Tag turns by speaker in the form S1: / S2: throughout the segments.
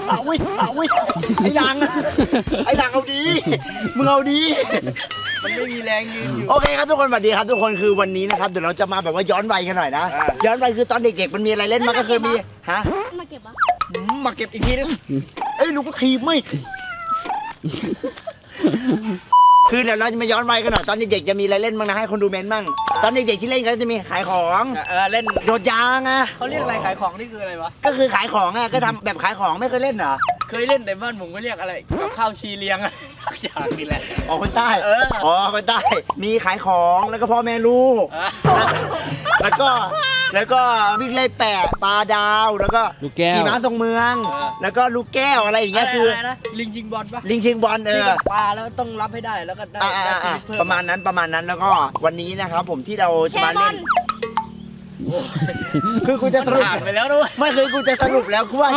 S1: ไอ้หลังเอาดีมึงเอาดี
S2: มันไม่มีแรงยืนอยู่
S1: โอเคครับทุกคนสวัสดีครับทุกคนคือวันนี้นะครับเดี๋ยวเราจะมาแบบว่าย้อนวัยกันหน่อยนะย้อนวัยคือตอนเด็กๆมันมีอะไรเล่นมาก็คือมีฮะ
S3: มาเก็บวะ
S1: มาเก็บอีกทีนึงเอ้ยลูกก็ทีไม่คือเดี๋ยวเราจะมาย้อนวัยกันหน่อยตอนเด็กๆจะมีอะไรเล่นบ้างนะให้คนดูเมนบ้างตอนเด็กๆที่เล่นก็จะมีขายของ
S2: เล่น
S1: โดดยางอ่ะ
S2: เขาเรียกอะไรขายของนี่คืออะไรวะ
S1: ก็คือขายของอ่ะก็ทำแบบขายของไม่เคยเล่นเหรอ
S2: เคยเล่นแต่บ้านผมก็เรียกอะไรกับข้าวชีเลี้ยงทุกอย่างนี่แหละ
S1: อ๋อคนใต้อ๋อคนใต้มีขายของแล้วก็พ่อแม่ลูกแล้วก็วิ่งไล่แปะปลาดาวแล้วก็ขี่ม้าทรงเมืองแล้วก็ลูกแก้วอะไรอย่างเงี้ยคือ
S2: ลิงชิงบอลปะ
S1: ลิงชิงบอล
S2: ปลาแล้วต้องรับให้ได้แล้วก็ได้
S1: ประมาณนั้นแล้วก็วันนี้นะครับผมที่เราจะมาเล่นคือกูจะสรุป
S2: ไปแล้วด้วย
S1: ไม่เคยกูจะสรุปแล้วกูว่า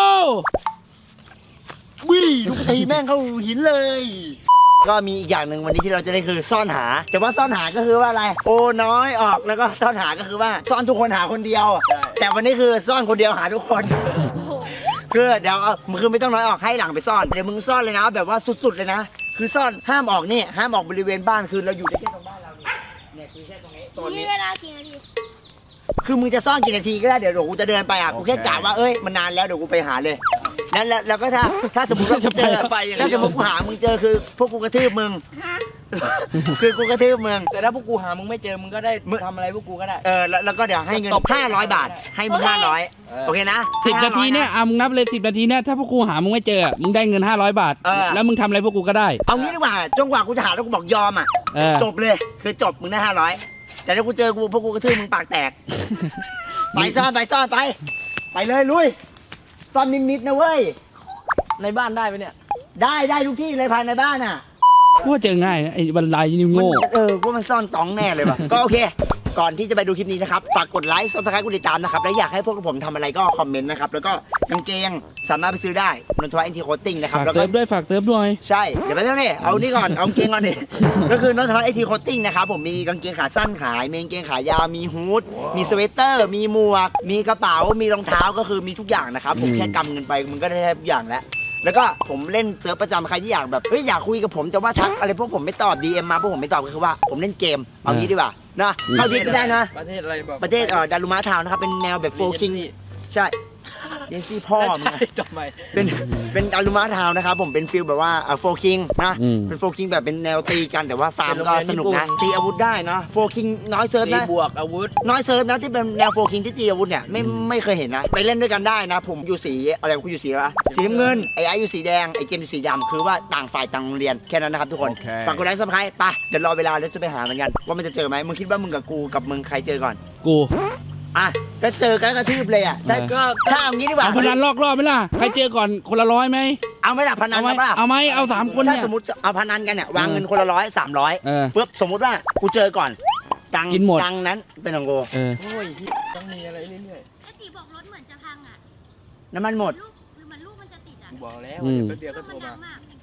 S1: วิ่งลูกตีแม่งเข้าหินเลยก็มีอีกอย่างหนึ่งวันนี้ที่เราจะได้คือซ่อนหาแต่ว่าซ่อนหาก็คือว่าอะไรโอ้น้อยออกแล้วก็ซ่อนหาก็คือว่าซ่อนทุกคนหาคนเดียวแต่วันนี้คือซ่อนคนเดียวหาทุกคนคือเดี๋ยวมึงคือไม่ต้องน้อยออกให้หลังไปซ่อนเดี๋ยวมึงซ่อนเลยนะแบบว่าสุดๆเลยนะคือซ่อนห้ามออกนี่ห้ามออกบริเวณบ้านคือเราอยู่แค่ตรงบ้านเราเนี่ยคือแค่ตรงนี้โซนนี้
S3: เวลากี่นาที
S1: คือมึงจะซ่อนกี่นาทีก็ได้เดี๋ยวกูจะเดินไปกูแค่กะว่าเอ้ยมันนานแล้วเดี๋ยวกูไปหาเลยนั่นแล้วก็ถ้าสมมติว่ากูเจอถ้าสมมติกูหามึงเจอคือพวกกูกระทืบมึงคือกูกระทืบมึง
S2: แต่ถ้าพวกกูหามึงไม่เจอมึงก็ได้ทำอะไรพวกกูก็ได้
S1: แล้วก็เดี๋ยวให้เงิน500 บาทให้มึง500โอเคนะ
S4: 10 นาทีเนี่ยมึงนับเลย10 นาทีเนี่ยถ้าพวกกูหามึงไม่เจอมึงได้เงิน500 บาทแล้วมึงทำอะไรพวกกูก็ได้
S1: เอางี้ดีกว่าจนกว่ากูจะหาแล้วกูบอกยอมจบเลยคือจบมึงได้500แต่ถ้ากูเจอกูพวกกูกระทืบมึงปากแตกไปซ่อนไปเลยลุยซ่อนนิดๆนะเว้ย
S2: ในบ้านได้ไหมเนี่ย
S1: ได้ทุกที่เลยภายในบ้าน
S4: กูเจอง่ายนะไอ้บันไดนี่โง่
S1: กูมันซ่อนตองแน่เลยว่ะก็โอเคก่อนที่จะไปดูคลิปนี้นะครับฝากกดไลค์ซับสไครป์กดติดตามนะครับและอยากให้พวกผมทำอะไรก็คอมเมนต์นะครับแล้วก็กางเกงสามารถไปซื้อได้นนทวัฒน์ NT Coating นะครับ
S4: แล้วก็ฝากเซิร์ฟด้วย
S1: ใช่เดี๋ยวไปเท่านี้เอานี่ก่อนเอากางเกงก่อนดิก็คือนนทวัฒน์ NT Coating นะครับผมมีกางเกงขาสั้นขายมีกางเกงขายาวมีฮู้ดมีสเวตเตอร์มีหมวกมีกระเป๋ามีรองเท้าก็คือมีทุกอย่างนะครับผมแค่กำเงินไปมันก็ได้ทุกอย่างแล้วก็ผมเล่นเซิร์ฟประจำใครที่อยากแบบอยากคุยกับผมแต่ว่าทักอะไรพวกผมไม่ตอบ DM มาพวกผมไม่ตอบก็คือว่าผมเล่นเกมเอางี้ดีกว่านะเข้าดิสไม่ได้นะ
S2: ประเทศอะไรบอก
S1: ประเทศดารุมะทาวน์นะครับเป็นแนวแบบโฟคิงใช่เยนซี่พ่อมึง
S2: จบไหม
S1: เป็นดารุมะทาวน์นะครับผมเป็นฟิลแบบว่าโฟคิงนะเป็นโฟคิงแบบเป็นแนวตีกันแต่ว่าฟาร์มก็สนุกนะตีอาวุธได้นะโฟคิงน้อยเซิร์ฟนะ
S2: บวกอาวุธ
S1: น้อยเซิร์ฟนะที่เป็นแนวโฟคิงที่ตีอาวุธเนี่ยไม่เคยเห็นนะไปเล่นด้วยกันได้นะผมอยู่สีอะไรกูอยู่สีอะไรสีน้ำเงินไอ้อยู่สีแดงไอ้เจมอยู่สีดำคือว่าต่างฝ่ายต่างโรงเรียนแค่นั้นนะครับทุกคนฝากกดไลค์ซับสไครป์ไปเดี๋ยวรอเวลาแล้วจะไปหาเหมือนกันว่ามันจะเจอไหมมึงคิดว่ามึงกับกูกับมึงใครเจอก่อน
S4: กู
S1: ก็เจอกันกระทืบเลยถ้าเอางี้ดีกว่า
S4: พนันลอกรอบไหมล่ะใครเจอก่อนคนละ100ไหม
S1: เอาไหมล่ะพนันป่ะ
S4: เอาไหมเอา3 คน
S1: ถ้าสมมติเอาพนันกันเนี่ยวางเงินคนละ300ปุ๊บสมมติว่ากูเจอก่อนตังนั้นเป็นของกู
S2: โอ้ยต้องมีอะไรเรื่อย
S3: ๆตีบอกรถเหมือนจะพัง
S1: น้ำมันหมด
S3: หรือมันลูกมันจะติด
S2: บอกแล้วเดี๋ยวก็โทรมา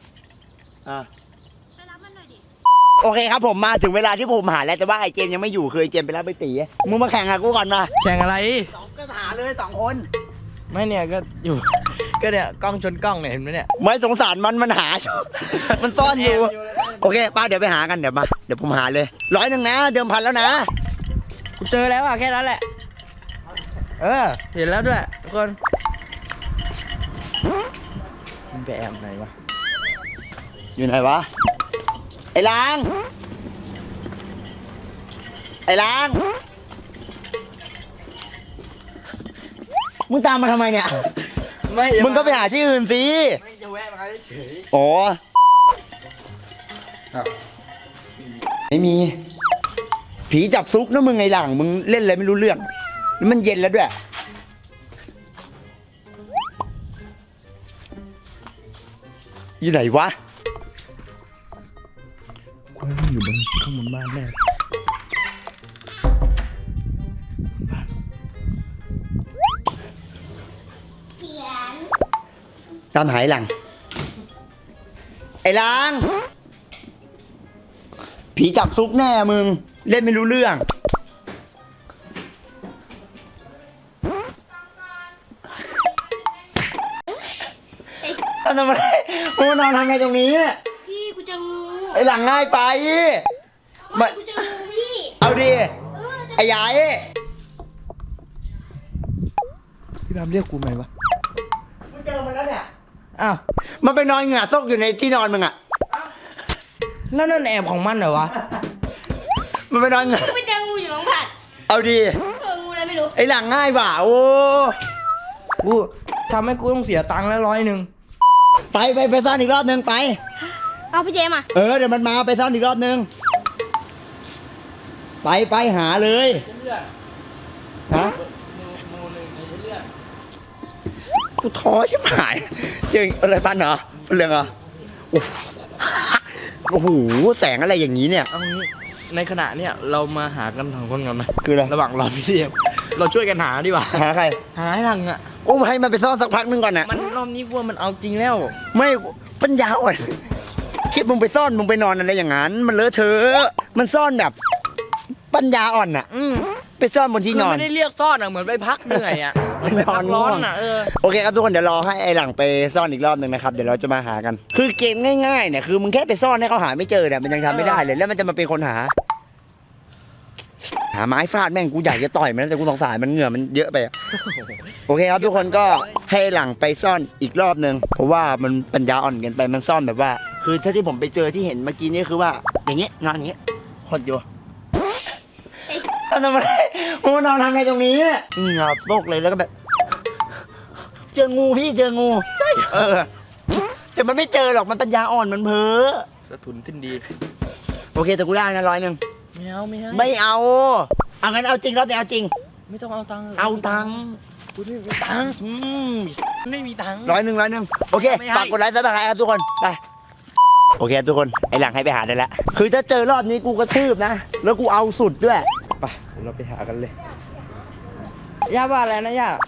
S3: ไปรับมันหน่อยดิ
S1: โอเคครับผมมาถึงเวลาที่ผมหาแล้วแต่ว่าไอ้เจมยังไม่อยู่คือไอ้เจมไปรับไปตีมึงมาแข่งกับกูก่อนมา
S2: แข่งอะไร
S1: ก็หาเลย2 คน
S2: ไม่เนี่ยก็อยู่ก็เนี่ยกล้องชนกล้องเนี่ยเห็นไหมเนี่ย
S1: ไม่สงสารมันหามันซ่อนอยู่โอเคป้าเดี๋ยวไปหากันเดี๋ยวผมหาเลย100นะเดิมพันแล้วนะ
S2: กูเจอแล้วแค่นั้นแหละเห็นแล้วด้วยทุกคนมันไปแอบไหนวะ
S1: อยู่ไหนวะไอ้ล้างมึงตามมาทำไมเนี่ยมึงก็ไปหาที่อื่นสิ
S2: ไม่จะแวะมาเฉย
S1: อ๋อไม่มีผีจับซุกนะมึงไงหลังมึงเล่นอะไรไม่รู้เรื่องนี่มันเย็นแล้วด้วยอยู่ไหนวะ
S4: อยู่บนข้างบนบ้านแม่
S1: ตามหายหลังไอ้ล้างผีจับซุกแน่มึงเล่นไม่รู้เรื่องทำอะไรกูนอนทำไงตรงนี้
S3: พี่กูเจองู
S1: ไอ้หลังง่ายไป
S3: ไม่กูเจองูพี่
S1: เอาดิ
S3: เออจะ
S1: ไอ้ยาย
S2: พี่พามเรียกกูไหมวะ
S1: กูเจอมันแล้วเนี่ย
S2: อ้าว
S1: มันไปนอนเหงื่อซกอยู่ในที่นอนมึงอะ
S2: แล้วนั่นแอบของมันเหรอวะ
S1: มันไปนอนเหงื่อ
S3: กูไปเจองูอยู่หลังผัด
S1: เอาดิ
S3: งูอะไรไม่รู้
S1: ไอ้หลังง่ายว่ะโอ้
S2: กูทำให้กูต้องเสียตังค์แล้ว
S1: ไปซ่อนอีกรอบนึงไป
S3: เอาพี่เจมอ่ะ
S1: เดี๋ยวมันมาไปซ่อนอีกรอบนึงไปหาเลยฮะกูท้อใช่ไหมเจออะไรปันเหรอเรื่องเหรอโอ้โหแสงอะไรอย่างนี้เนี่ย
S2: เอางี้ในขณะเนี้ยเรามาหากันสองคนก่อนไหม
S1: คืออะไร
S2: ระหว่างรอพี่เทียมเราช่วยกันหาดีกว่า
S1: หาใคร
S2: หาให้หลังอ่ะ
S1: โอ้ให้มันไปซ่อนสักพักนึงก่อนนะ
S2: มันรอบนี้กูว่ามันเอาจริงแล้ว
S1: ไม่ปัญญาอ่อนคิดมึงไปซ่อนมึงไปนอนอะไรอย่างนั้น มันเลอะเทอะมันซ่อนแบบ ปัญญาอ่อนน่ะไปซ่อนบนที่
S2: คื
S1: น
S2: อ
S1: อน
S2: ไม่ได้เรียกซ่อนอ่ะเหมือนไปพักเหนื่อยอ่ะเหมือนไปพักร้อนอ่ะ
S1: โอเคครับทุกคนเดี๋ยวรอให้ไอ้หลังไปซ่อนอีกรอบหนึ่งนะครับเดี๋ยวเราจะมาหากัน คือเกมง่ายๆเนี่ยคือมึงแค่ไปซ่อนให้เขาหาไม่เจอเนี่ยมันยังทำไม่ได้เลยแล้วมันจะมาเป็นคนหาไม้ฟาดแม่งกูอยากจะต่อยมันแต่กูสงสารมันเหงื่อมันเยอะไปอะโอเคครับทุกคนก็ให้หลังไปซ่อนอีกรอบหนึ่งเพราะว่ามันปัญญาอ่อนเกินไปมันซ่อนแบบว่า คือถ้าที่ผมไปเจอที่เห็นเมื่อกี้นี่คือว่าอย่างเงี้ยนอนอย่างเงี้ยโคตรอยู่ทำอะไรกูนอนทำไงตรงนี้เหงื่อตกเลยแล้วก็แบบ เจองูพี่เจองูใช่แต่มันไม่เจอหรอกมันปัญญาอ่อนมันเพ้อ
S2: สะทุนขึ้นดี
S1: โอเคแต่กูได้นะ100
S2: ไม่เอาไม่ให้
S1: ไม่เอางั้นเอาจริงรอบนี้เอาจริง
S2: ไม่ต้องเอาตังค์
S1: เอาตังค์
S2: กูไม่มีตังค์ไม่มีตังค์
S1: 100โอเค
S2: ไม่ให้
S1: ฝากกดไลค์ซับสไครต์ครับทุกคนไปโอเคทุกคนไอหลังให้ไปหาได้แล้วคือถ้าเจอรอบนี้กูกระทืบนะแล้วกูเอาสุดด้วย
S2: ไปเราไปหากันเลยย่าว่าอะไรนะย่า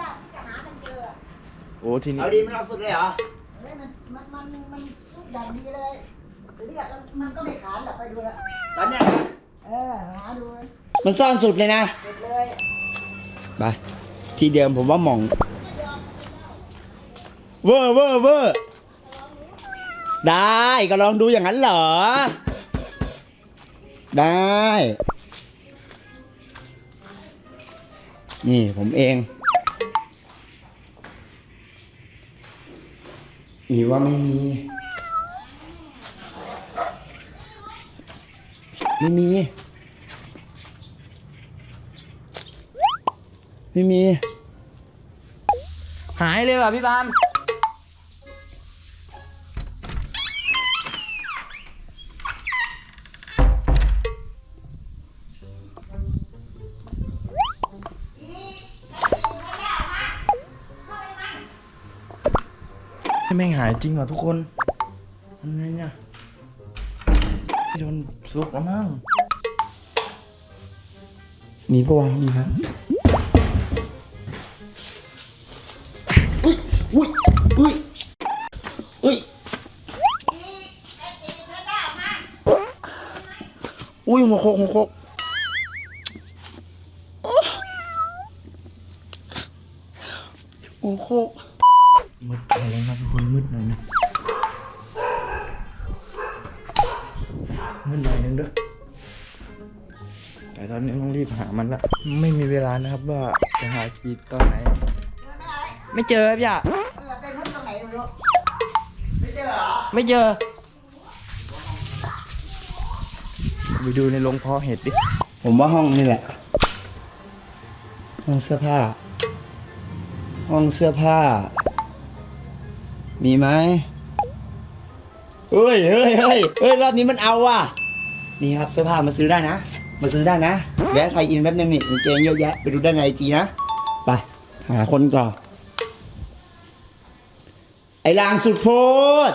S2: โอ้ทีนี้
S1: เอาดีมันเอาสุดเลยเหรอ
S5: มันทุกอย่างดีเลยเรียกแล้วมันก็ไม่ขานหรอกไปดูละ
S1: ตอนเนี้ยนะ
S5: หาดู
S1: มันซ่อนสุดเลยนะ
S5: เสร็จเลย
S1: ไปที่เดิมผมว่าหม่องเวอร์ได้ก็ลองดูอย่างนั้นเหรอได้นี่ผมเองมีว่าไม่มีไม่มี
S2: หายเลยว่ะพี่บามแม่งหายจริงว่ะทุกคนทำไงเนี่ยโดนซุกแล้วมั้ง
S1: มีปะวะมีครับอุ้ยหัวโคกหัวโคก
S2: มืดอะไรนะทุกคนมืดหน่อยนะมืดหน่อยนึงด้วยแต่ตอนนี้ต้องรีบหามันละไม่มีเวลานะครับว่าจะหาคีย์ตอนไหน ไม่เจอครับย่า
S5: ไปพ้นตรงไหนไม่รู้
S2: ไม่เจอไปดูในโรงเพาะเห็ดดิ
S1: ผมว่าห้องนี่แหละห้องเสื้อผ้ามีไหมเฮ้ยรอบนี้มันเอาว่ะนี่ครับเสื้อผ้ามาซื้อได้นะแวะไทยอินแป๊บนึงนี่กางเกงเยอะแยะไปดูได้ในไอจีนะไปหาคนก่อนไอ้ลางสุดโพด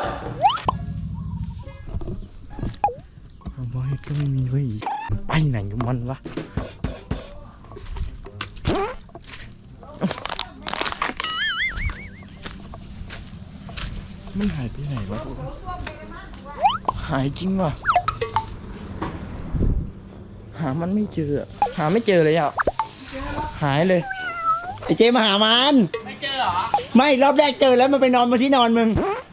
S2: บอยก็ไม่มีเว้ยไปไหนกับมันวะมันหายไปไหนวะหายจริงว่ะหามันไม่เจอหาไม่เจอเลยอ่ะหายเลย
S1: ไอ้เจมาหามัน
S4: ไม่เจอเหรอ
S1: ไม่รอบแรกเจอแล้วมันไปนอนบนที่นอนมึง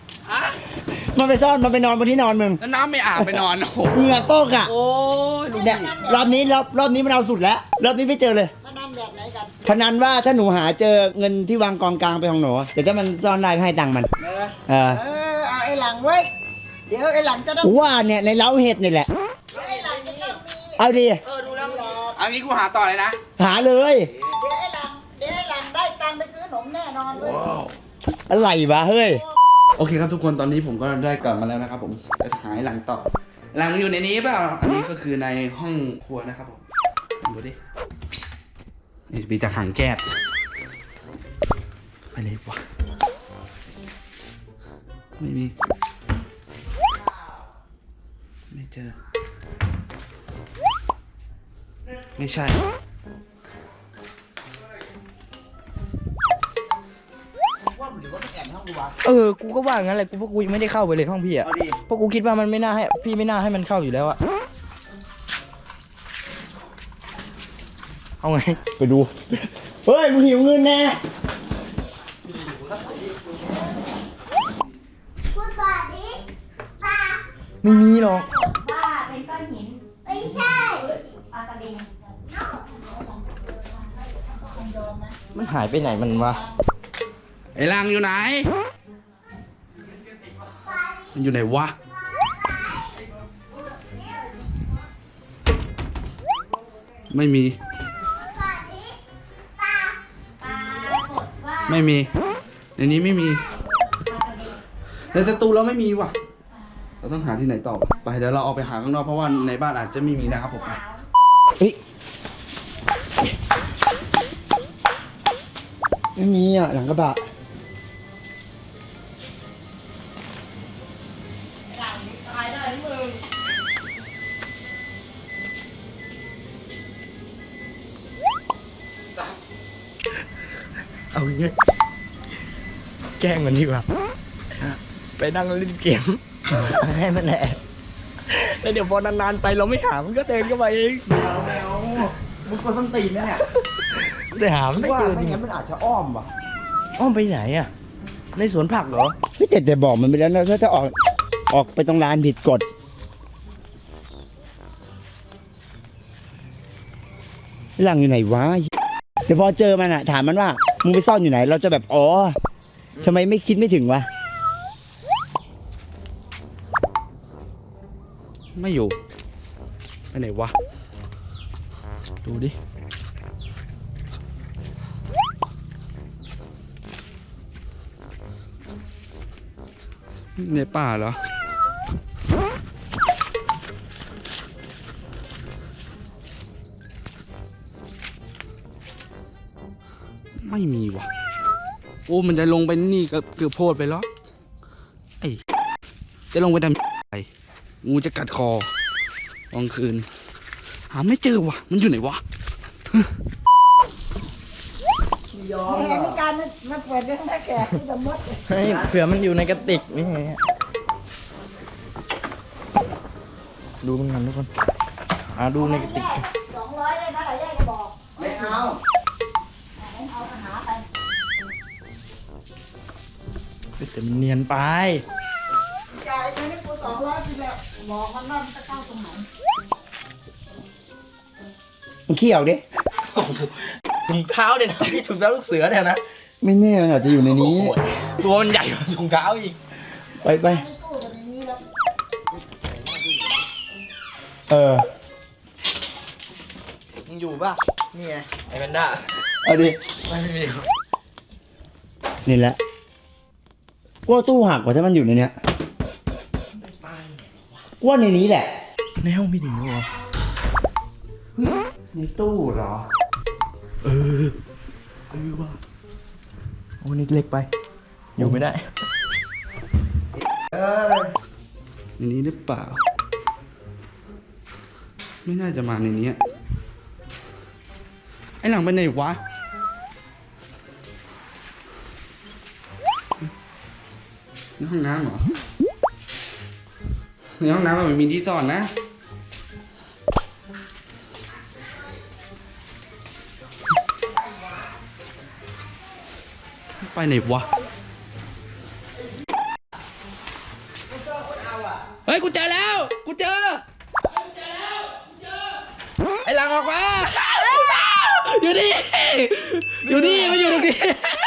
S1: มันไปซ่อนมันไปนอนบนที่นอนมึง
S4: แล้วน้ำไม่อาบไปนอนโอ้โห
S1: เหงื่อโต๊กอ่ะ
S4: โอ้ยลุง
S1: เนี่ยรอบนี้มันเอาสุดแล้วรอบนี้ไม่เจอเลย
S5: พนันแบบไหนกัน
S1: พนันว่าถ้าหนูหาเจอเงินที่วางกองกลางไปของหนูเดี๋ยวถ้ามันซ่อนได้ให้ตังค์มันเออ
S5: เอาไอ้หลังเว้ยเดี๋ยวไอ้หลังจะต้อง
S1: ว่าเนี่ยในเล้าเห็ดนี่แหละ
S5: ไอ้หลังจะต้องมี
S1: เอาดิ
S4: เอางี้กูหาต่อเลยนะ
S1: หาเลย
S5: เดี๋ยวไอ้หลังได้ตังค์ไปซื้อขนมแน่นอนเลย
S1: อะไรวะเฮ้ย
S4: โอเคครับทุกคนตอนนี้ผมก็ได้กลับมาแล้วนะครับผมจะหายหลังต่อหลังอยู่ในนี้เปล่าอันนี้ก็คือในห้องครัวนะครับผมดูดินี่มีจากหางแก๊สไปเลยวะไม่มีไม่เจอไม่ใช่
S2: กูก็ว่างั้นแหละเพราะกูยังไม่ได้เข้าไปเลยห้องพี่อ่ะ
S1: เอาดิ
S2: เพราะกูคิดว่ามันไม่น่าให้พี่ไม่น่าให้มันเข้าอยู่แล้วอะเอาไง
S1: ไปดู เฮ้ยมึงหิวเงินแน่
S3: พูดป่าดิป่า
S2: ไม่มีหรอก
S3: ป่าเป็นก้อนหิน ไม่ใช่ปลากระเบน
S2: มันหายไปไหนมันวะ
S4: ไอ้ลังอยู่ไหน มันอยู่ไหนวะ ไม่มี ไม่มี ในนี้ไม่มี ในสตูเราไม่มีว่ะ เราต้องหาที่ไหนต่อวะไปเดี๋ยวเราออกไปหาข้างนอกเพราะว่าในบ้านอาจจะไม่มีนะครับผมไป
S1: เฮ้ยไม่มีอ่ะหลังกระบะ
S2: เอางี้แกล้งมันดีกว่าไปนั่งเล่นเกมให้มันแอบแล้วเดี๋ยวพอนานๆไปเราไม่หามันก็เดินเข้ามาเอง
S1: แมวมึงก็ต้องตีนนะเนี่ย
S2: แต่หาไม่
S1: ว่า
S2: เจอจ
S1: ไม่
S2: ริง
S1: งั้นมันอาจจะอ้อมว่ะ
S2: อ้อมไปไหนอ่ะในสวนผักเหรอ
S1: พี่แต่บอกมันไปแล้วนะถ้าออกไปตรงลานผิดกฎหลังอยู่ไหนวะเดี๋ยวพอเจอมันอ่ะถามมันว่ามึงไปซ่อนอยู่ไหน เราจะแบบอ๋อทำไมไม่คิดไม่ถึงวะ
S4: ไม่อยู่ ไปไหนวะ ดูดิ ในป่าเหรอ ไม่มีว่ะ โอ้ มันจะลงไปนี่ก็เกือบโพดไปแล้วไอ้จะลงไปทำอะไรงูจะกัดคอตอนคืน หาไม่เจอว่ะ มันอยู่ไหนวะ
S5: แหมมีการมาเปิดเรื่องแม่แก่ที่สมมติ
S2: เฮ้ยเผื่อมันอยู่ในกระติกนี่ไงดูมันกันทุกคนดูในกระติก
S5: 200ได้ไหมล่ะแยกจะบอก
S1: ไม่เอา
S5: เอาปัญหาไป
S2: แต่มันเนียนไป
S5: จ่ายไปนี่กู200ไปแล้วบอกมันว่ามันจะเข้าตรงไหน
S1: มึงเขี้ยวดิ
S2: ถุงเท้าเนี่ยนะพี่ถุงเท้าลูกเสือเนี่ยนะ
S1: ไม่แน่มันอาจจะอยู่ในนี้
S2: ตัวมันใหญ่กว่าถุงเท้าอีก
S1: ไป
S5: ไม่สู้กันอย่างนี้แล้ว
S1: เออ
S2: มึงอยู่ป่ะนี่ไงไอ้แพนด้า
S1: เอาดิ
S2: ไม่มี
S1: นี่แหละกลัวตู้หักกว่าถ้ามันอยู่ในเนี้ยกลัวในนี้แหละ
S2: ในห้องไม่ดีหรอ
S1: ในตู้เหรอ
S2: ว่ะโอ้นี่เล็กไป อยู่ไม่ได้
S4: ในนี้หรือเปล่า ไม่น่าจะมาในนี้ ไอ้หลังไปไหนวะ ในห้องน้ำเหรอ ในห้องน้ำมันมีที่ซ่อนนะ ไปไหนวะ
S5: ซ่อ
S4: เฮ้ยกูเจอแล้ว กูเจอ ไอ้หลังออกมา อยู่นี่ อยู่นี่มาอยู่ตรงนี้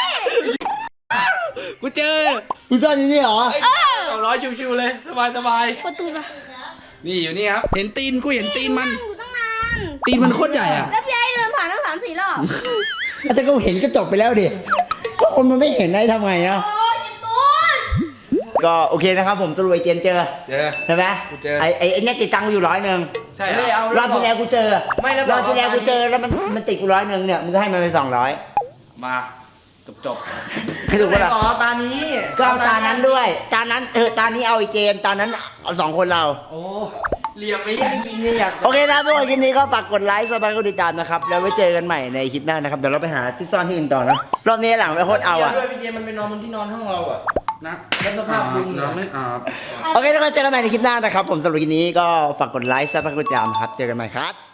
S4: กูเจอ
S1: คุณซ่อนอยู่นี่เหรอ
S2: 200ชิวๆเลยสบายสบาย
S3: ประตูละ
S4: นี่อยู่นี่ครับ เห็นตีนกูเห็นตีนมัน
S3: อยู่ตั้งนาน
S4: ตีนมันโคตรใหญ่อะ
S3: แล้วพี่ไอ้เดินผ่านตั้ง3-4 รอบ
S1: แต่ก็เห็นก็จบไปแล้วดิก็คนมันไม่เห็นได้ทำไงอะ
S3: โอ้ยเจ็บตูน
S1: ก็โอเคนะครับผมสรุปไอ้เจนเจอ
S4: เจอ
S1: ใช่ไหม
S4: กูเจอ
S1: ไอ้เนี่ยติดตังค์กูอยู่100
S2: ใช่
S1: รอบที่แล้วกูเจอ
S2: ไม่แล้ว
S1: รอบที่แล้วกูเจอแล้วมันติดกู100เนี่ยมึงก็ให้มันไป200
S4: มาจบ
S1: คือถูกปะล่ะ
S2: ต่อตานี้
S1: ก็เอาตานั้นด้วยตานั้นตานี้เอาไอ้เจมตานั้นเอา2 คนเรา
S2: โอ้เหลี่ยมไม่ยังจริงเนี่ยอยาก
S1: โอเคนะทุกคนคลิปนี้ก็ฝากกดไลค์ซับสไครต์กดติดตามนะครับแล้วไว้เจอกันใหม่ในคลิปหน้านะครับเดี๋ยวเราไปหาที่ซ่อนที่อื่นต่อนะรอบนี้หลังไปโคตรเอาอะ
S2: ด้วยพี่เจมันไปนอนบนที่นอนห้องเราอ่ะ
S4: ๆนะ
S2: แล้วสภาพลุง
S4: เราไม่อาบ
S1: โอเคทุกคนเจอกันใหม่ในคลิปหน้านะครับผมสำหรับคลิปนี้ก็ฝากกดไลค์ซับสไครต์กดติดตามครับเจอกันใหม่ครับ